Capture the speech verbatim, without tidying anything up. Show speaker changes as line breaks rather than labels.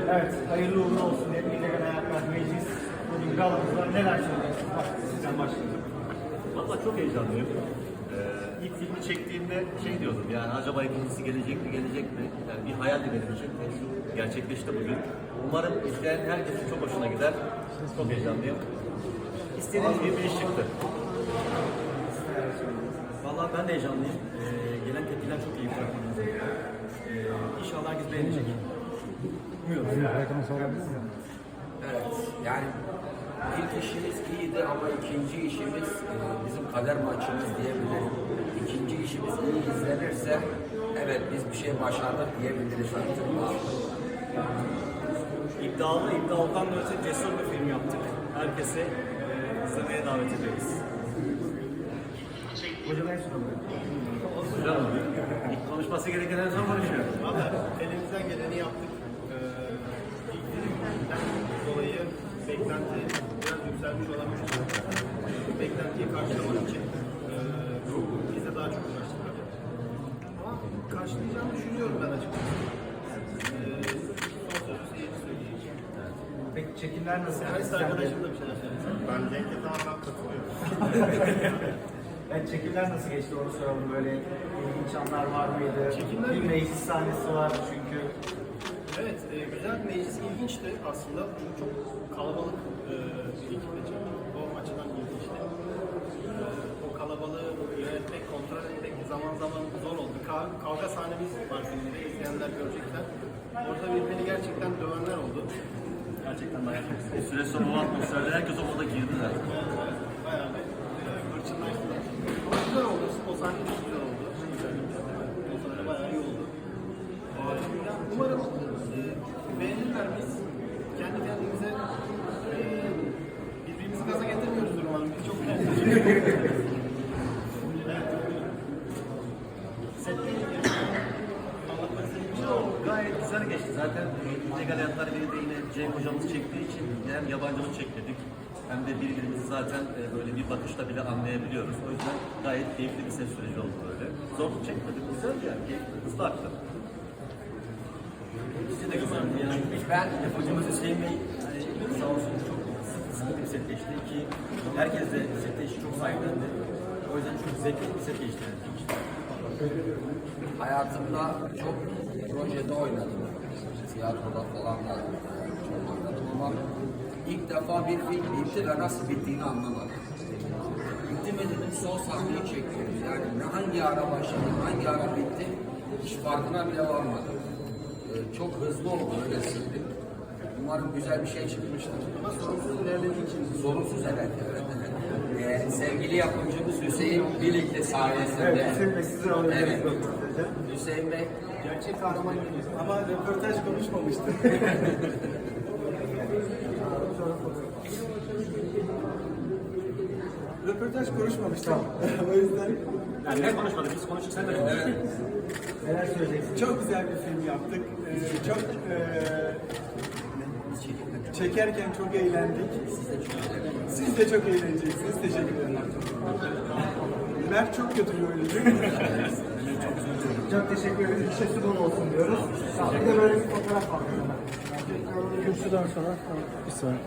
Evet, hayırlı uğurlu olsun diye illegal hayatlar, meclis, bugün galamız var. Neler söyleyeceksiniz? Bak, sizden başlayalım.
Valla çok heyecanlıyım. Ee, ilk filmi çektiğimde şey diyordum, yani acaba ikincisi gelecek mi, gelecek mi? Yani bir hayaldi benim için. Gerçekleşti bugün. Umarım izleyen herkesin çok hoşuna gider. Çok heyecanlıyım. İstediğiniz gibi bir iş çıktı.
Vallahi ben de heyecanlıyım. Ee, gelen tepkiler çok iyi fragmanımıza. Ee, İnşallah herkes beğenecek. Umuyorum.
Evet, yani ilk işimiz iyiydi ama ikinci işimiz e, bizim kader maçımız diyebilirim. İkinci işimiz iyi izlenirse, evet biz bir şey başardık diyebiliriz artık.
İddialı, iddialıdan da öte cesur bir film yaptık. Herkese e, izlemeye davet ediyoruz.
Hocam en son
Hocam, ilk konuşması gereken en son konuşuyor.
Valla elimizden geleni yaptık. Ee, ilk filmden dolayı beklenti biraz yükselmiş olabilir. Beklentiyi karşılamak için e, biz de daha çok uğraştık. Ama karşılayacağımı düşünüyorum ben açıkçası. Ee, son sözü seyirci söyleyeceğim.
Peki çekimler nasıl?
Servis arkadaşım da bir şeyler söylesin.
Ben Cenk'e tamamen katılıyorum.
Evet, çekimler nasıl geçti onu soralım. Böyle ilginç anlar var mıydı?
Çekimler
Bir
mi?
meclis sahnesi var çünkü.
Evet, e, güzel meclis ilginçti aslında. Çünkü çok kalabalık e, bir ekiple çektik. O açıdan ilginçti. E, o kalabalığı yönetmek, kontrol etmek zaman zaman zor oldu. Ka- kavga sahnemiz var filmde, izleyenler görecekler. Orada birbirini gerçekten dövenler oldu.
Gerçekten dayak yedik.
Bir süre sonra o atmosferde herkes o moda girdi zaten.
Bayağı bir e, hırçınlaştılar. Ama güzel oldu, o sahne de güzel oldu. Özellikle. O sahne bayağı iyi oldu. E, yani umarım e, beğenirler biz. Kendi kendimize e, birbirimizi gaza getirmiyoruzdur umarım. Biz çok beğendik. Evet. Sette anlatmak istediğim bir şey oldu.
Gayet güzel geçti. Zaten illegal hayatlar biri de yine Cenk hocamız çektiği için hem yabancımız çekmedik hem de birbirimizi zaten e, böyle bir bakışla bile anlayabiliyoruz. O yüzden gayet keyifli bir ses süreci oldu böyle. Zorluk çekmedik. Güzel yani. Keyifli. Hızlı aktı.
Bizi de güzeldi yani.
Ben
Hocamız Hüseyin Bey e, sağ olsun çok sıkı bir set geçti ki herkes de sette işi çok sahiplendi. O yüzden çok zevkli bir set geçti.
hayatımda çok projede oynadım. Tiyatroda falan da çok oynadım ama ilk defa bir film bitti ve nasıl bittiğini anlamadım. Bitti mi dedim, son sahneyi çekiyoruz. Yani ne hangi ara başladı, hangi ara bitti hiç farkına bile varmadım. Ee, çok hızlı oldu, öyle söyleyeyim. Umarım güzel bir şey çıkmıştır.
Ama sorunsuz ilerlediği için
Sorunsuz evet, evet, evet. Ee, sevgili yapımcımız Hüseyin Bilikli sayesinde.
Evet, Hüseyin Bey sizi alabiliriz
Evet.
röportaja.
Hüseyin Bey,
gerçek kahraman gibi. Ama röportaj konuşmamıştı. röportaj konuşmamıştı. o yüzden
Yani ne konuşmadık, biz konuştuk, sen de konuştun.
Neler söyleyeceksiniz?
çok güzel bir film yaptık. Ee, çok e, çekerken çok eğlendik. Siz de çok eğleneceksiniz. Teşekkür ederim. Mert çok kötü bir oyuncu.
Çok teşekkür ederiz. İşte bol olsun diyoruz. Bir de böyle bir fotoğraf var. Kürsüden sonra bir saniye.